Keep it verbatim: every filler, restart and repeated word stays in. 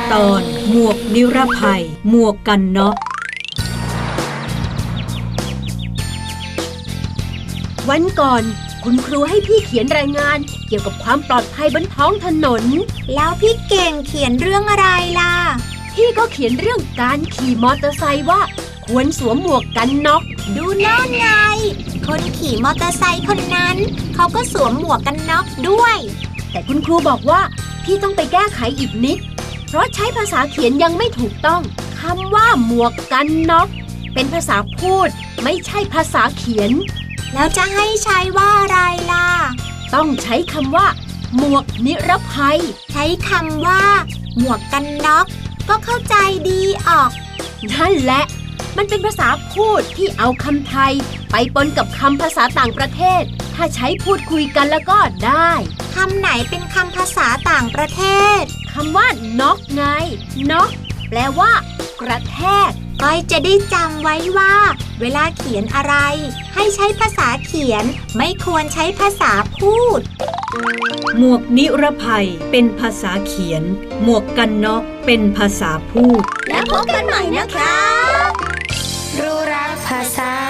ตอนหมวกนิรภัยหมวกกันน็อกวันก่อนคุณครูให้พี่เขียนรายงานเกี่ยวกับความปลอดภัยบนท้องถนนแล้วพี่เก่งเขียนเรื่องอะไรล่ะพี่ก็เขียนเรื่องการขี่มอเตอร์ไซค์ว่าควรสวมหมวกกันน็อกดูนั่นไงคนขี่มอเตอร์ไซค์คนนั้นเขาก็สวมหมวกกันน็อกด้วยแต่คุณครูบอกว่าพี่ต้องไปแก้ไขอีกนิดเพราะใช้ภาษาเขียนยังไม่ถูกต้องคำว่าหมวกกันน็อกเป็นภาษาพูดไม่ใช่ภาษาเขียนแล้วจะให้ใช้ว่าอะไรล่ะต้องใช้คำว่าหมวกนิรภัยใช้คำว่าหมวกกันน็อกก็เข้าใจดีออกนั่นแหละมันเป็นภาษาพูดที่เอาคำไทยไปปนกับคำภาษาต่างประเทศถ้าใช้พูดคุยกันแล้วก็ได้คำไหนเป็นคำภาษาต่างประเทศคำว่าน็อกไงน็อกแปลว่ากระแทกก้อยจะได้จำไว้ว่าเวลาเขียนอะไรให้ใช้ภาษาเขียนไม่ควรใช้ภาษาพูดหมวกนิรภัยเป็นภาษาเขียนหมวกกันน็อกเป็นภาษาพูดแล้วพบกันใหม่นะคะรู้รักภาษา